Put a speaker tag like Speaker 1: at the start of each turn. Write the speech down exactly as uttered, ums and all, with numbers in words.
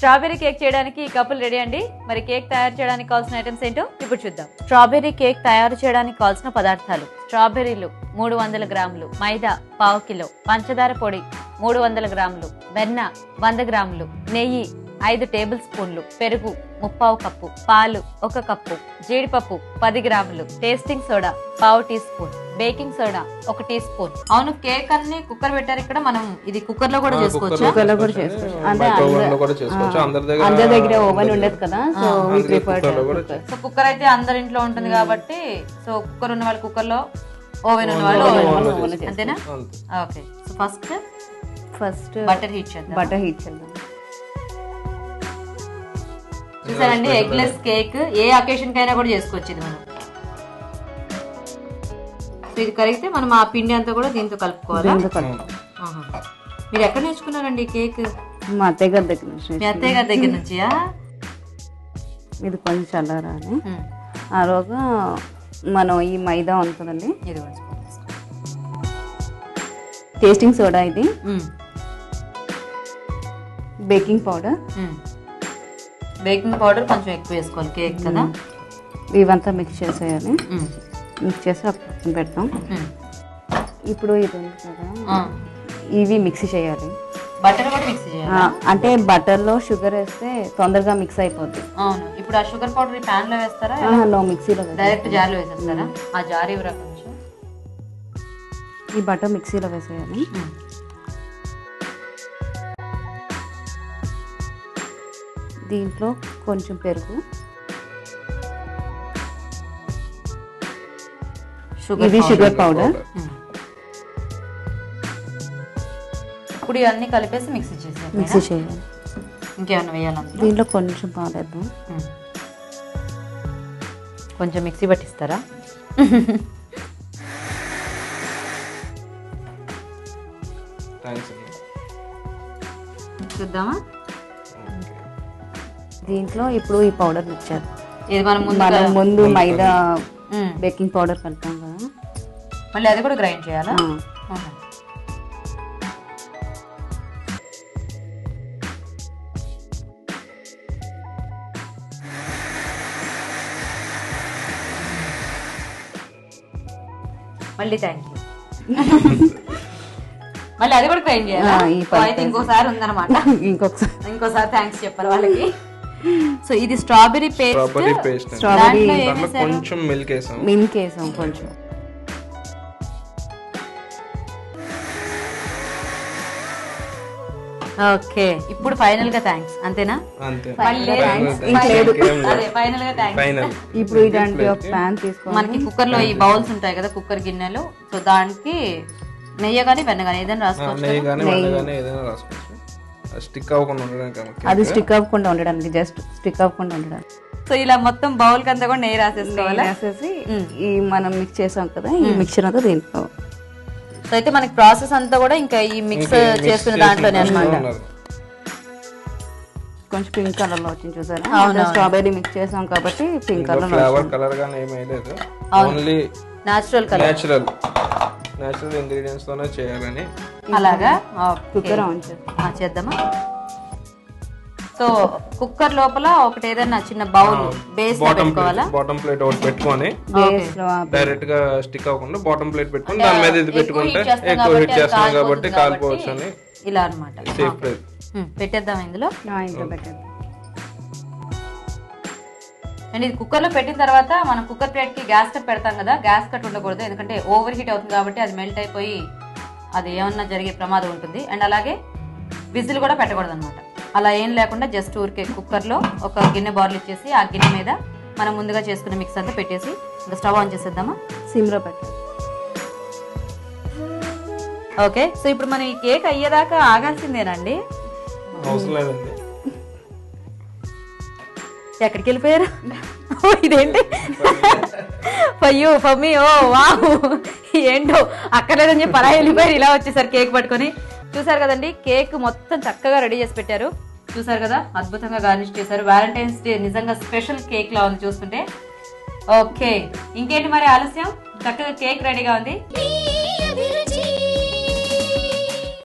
Speaker 1: Strawberry cake చేయడానికి ఈ కప్పులు రెడీ అండి. మరి కేక్ తయారు చేయడానికి కావాల్సిన ఐటమ్స్ ఏంటో ఇప్పుడు చూద్దాం. స్ట్రాబెర్రీ కేక్ తయారు చేయడానికి కావాల్సిన పదార్థాలు: స్ట్రాబెర్రీలు మూడు వందల గ్రాములు, మైదా పావు కిలో, పంచదార పొడి మూడు వందల గ్రాములు, వెన్న వంద గ్రాములు, నెయ్యి ఐదు టేబుల్ స్పూన్లు, పెరుగు ముప్పావు కప్పు, పాలు ఒక కప్పు, జీడిపప్పు పది గ్రాములు, టేస్టింగ్ సోడా పావు టీ స్పూన్, బేకింగ్ సోడా ఒక టీ స్పూన్. అవును, కేక్ అన్ని కుక్కర్ పెట్టారు ఇక్కడ. మనం ఇది కుక్కర్ లో కూడా చేసుకోవచ్చు.
Speaker 2: కుక్కర్ లో కూడా చేసుకోవచ్చు. అంటే అందరి దగ్గర ఓవెన్ ఉండదు కదా, so we prefer
Speaker 1: so cooker అయితే అందరి ఇంట్లో ఉంటుంది కాబట్టి, సో కుక్కర్ ఉన్న వాళ్ళు కుక్కర్ లో, ఓవెన్ ఉన్న వాళ్ళు ఓవెన్, అంతేనా? Okay. So first
Speaker 2: first
Speaker 1: butter heat చేద్దాం.
Speaker 2: బటర్ హీట్ చేద్దాం.
Speaker 1: చూసారండి, ఎగ్లెస్ కేక్ ఏ అకేషన్ కైనా కూడా చేసుకోవచ్చు ఇది మనం. సో ఇది కరిగితే మనం ఆ పిండి అంతా కూడా దీంతో కలుపుకోవాలి. మీరు ఎక్కడ నేర్చుకున్నారండి కేక్?
Speaker 2: మా అత్తయ్య గారి దగ్గర నుంచి.
Speaker 1: మీ అత్తయ్య గారి దగ్గర నుంచియా?
Speaker 2: ఇది కొంచెం చల్లారాలి. ఆ రోజు మనం ఈ మైదా ఉంటుందండి,
Speaker 1: ఇది
Speaker 2: టేస్టింగ్ సోడా, ఇది బేకింగ్ పౌడర్.
Speaker 1: బేకింగ్ పౌడర్ కొంచెం ఎక్కువ వేసుకోవాలి కేక్ కదా.
Speaker 2: ఇవంతా మిక్స్ చేసేయాలి. మిక్స్ చేసి పక్కన పెడతాం. ఇప్పుడు ఇది ఉంది కదా, ఇవి మిక్స్ చేయాలి.
Speaker 1: బటర్ కూడా మిక్స్ చేయాలి.
Speaker 2: అంటే బటర్ లో షుగర్ వేస్తే తొందరగా మిక్స్ అయిపోద్ది.
Speaker 1: అవును. ఇప్పుడు ఆ షుగర్ పౌడర్ ఈ ప్యాన్ లో వేస్తారా?
Speaker 2: నో, మిక్సీలో
Speaker 1: డైరెక్ట్ జార్లో వేసేస్తారా? ఆ జార్ ఇవ్వరా కొంచెం.
Speaker 2: ఈ బటర్ మిక్సీలో వేసేయాలి. దీంట్లో కొంచెం పెరుగు, ఇది షుగర్ పౌడర్.
Speaker 1: ఇప్పుడు ఇవన్నీ కలిపేసి మిక్సీ చేసేయాలి.
Speaker 2: మిక్సీ చేయాలి.
Speaker 1: ఇంకేమన్నా వేయాలి?
Speaker 2: దీంట్లో కొంచెం పాలేద్దాం.
Speaker 1: కొంచెం మిక్సీ పట్టిస్తారా? చూద్దామా?
Speaker 2: దీంట్లో ఇప్పుడు ఈ పౌడర్ మిక్చర్,
Speaker 1: ఇది మనం
Speaker 2: మనం ముందు మైదా బేకింగ్ పౌడర్ కలిపాం కదా,
Speaker 1: మళ్ళీ అది కూడా గ్రైండ్ చేయాలా? మళ్ళీ థ్యాంక్ యూ. మళ్ళీ అది కూడా గ్రైండ్ చేయాలా? అయితే ఇంకోసారి ఉందన్నమాట.
Speaker 2: ఇంకొకసారి
Speaker 1: ఇంకోసారి థ్యాంక్స్ చెప్పాలి వాళ్ళకి. సో ఇది స్ట్రాబెరీ పేస్ట్.
Speaker 2: స్ట్రాబెరీ
Speaker 3: కొంచెం మిల్క్ వేసాం.
Speaker 2: మిల్క్ వేసాం కొంచెం.
Speaker 1: ఓకే, ఇప్పుడు ఫైనల్ గా థ్యాంక్స్, అంతేనా? ఫైనల్ గా థ్యాంక్స్.
Speaker 2: ఇప్పుడు ఇలాంటి ఒక ప్యాన్ తీసుకోవాలి.
Speaker 1: మనకి కుక్కర్ లో ఈ బౌల్స్ ఉంటాయి కదా, కుక్కర్ గిన్నెలు. సో దానికి నెయ్యి కానీ వెన్న కానీ ఏదైనా రాసుకోవచ్చు.
Speaker 3: స్టిక్ అవ్వకుండా ఉండడానికి,
Speaker 2: అది స్టిక్ అవ్వకుండా ఉండడానికి, జస్ట్ స్టిక్ అవ్వకుండా ఉండడానికి.
Speaker 1: సో ఇలా మొత్తం బౌల్ కంతా కూడా నెయ్యి రాసేసుకోవాలి.
Speaker 2: రాసేసి ఈ మనం మిక్స్ చేసాం కదా, ఈ మిక్చర్ అంతా దీంట్లో.
Speaker 1: సో అయితే మనకి ప్రాసెస్ అంతా కూడా ఇంకా ఈ మిక్స్ చేసుకునే దాంట్లోనే అన్నమాట.
Speaker 2: కొంచెం పింక్ కలర్ లో వచ్చింది చూసారా? స్ట్రాబెరీ మిక్స్ చేసాం కాబట్టి పింక్ కలర్.
Speaker 3: ఫ్లేవర్ కలర్ గానీ ఏమీ లేదు, only
Speaker 1: natural colour,
Speaker 3: natural natural ingredients తోనే చేయాలని.
Speaker 1: అలాగా
Speaker 2: కుక్కర్ ఆన్
Speaker 1: చేద్దామా? సో కుక్కర్ లోపల ఒకటి ఏదైనా చిన్న బౌల్ బేస్ పెట్టుకోవాలా?
Speaker 3: బాటమ్ ప్లేట్ ఒకటి పెట్టుకొని డైరెక్ట్ గా స్టిక్ అవ్వకుండా బాటమ్ ప్లేట్ పెట్టుకొని దాని మీద ఇది పెట్టుకుంటే ఎక్కువ హీట్ చేస్తున్నాం కాబట్టి కాలిపోవచ్చు అని.
Speaker 1: ఇలా అన్నమాట. పెట్టేద్దాం ఇందులో. అండ్ ఇది కుక్కర్ లో పెట్టిన తర్వాత మనం కుక్కర్ ప్లేట్ కి గ్యాస్ కట్ పెడతాం కదా, గ్యాస్ కట్ ఉండకూడదు, ఎందుకంటే ఓవర్ హీట్ అవుతుంది కాబట్టి అది మెల్ట్ అయిపోయి అది ఏమన్నా జరిగే ప్రమాదం ఉంటుంది. అండ్ అలాగే విజిల్ కూడా పెట్టకూడదు అనమాట. అలా ఏం లేకుండా జస్ట్ ఊరికే కుక్కర్లో ఒక గిన్నె బార్లు ఇచ్చేసి ఆ గిన్నె మీద మనం ముందుగా చేసుకున్న మిక్స్ అంతా పెట్టేసి ఇంకా స్టవ్ ఆన్ చేసేద్దామా?
Speaker 2: సిమ్లో పెట్టాలి.
Speaker 1: ఓకే, సో ఇప్పుడు మనం ఈ కేక్ అయ్యేదాకా ఆగాల్సిందేనండి. ఎక్కడికి వెళ్ళిపోయారు? ఇదేంటి అయ్యో పమ్మి, ఓ వావ్, ఏంటో అక్కర్లేదని చెప్పి అలా వెళ్ళిపోయారు. ఇలా వచ్చేసారు కేక్ పట్టుకొని. చూసారు కదండి, కేక్ మొత్తం చక్కగా రెడీ చేసి పెట్టారు. చూసారు కదా, అద్భుతంగా గార్నిష్ చేశారు. వ్యాలంటైన్స్ డే నిజంగా స్పెషల్ కేక్ లా ఉంది చూస్తుంటే. ఓకే, ఇంకేంటి మరి ఆలస్యం, చక్కగా కేక్ రెడీగా ఉంది.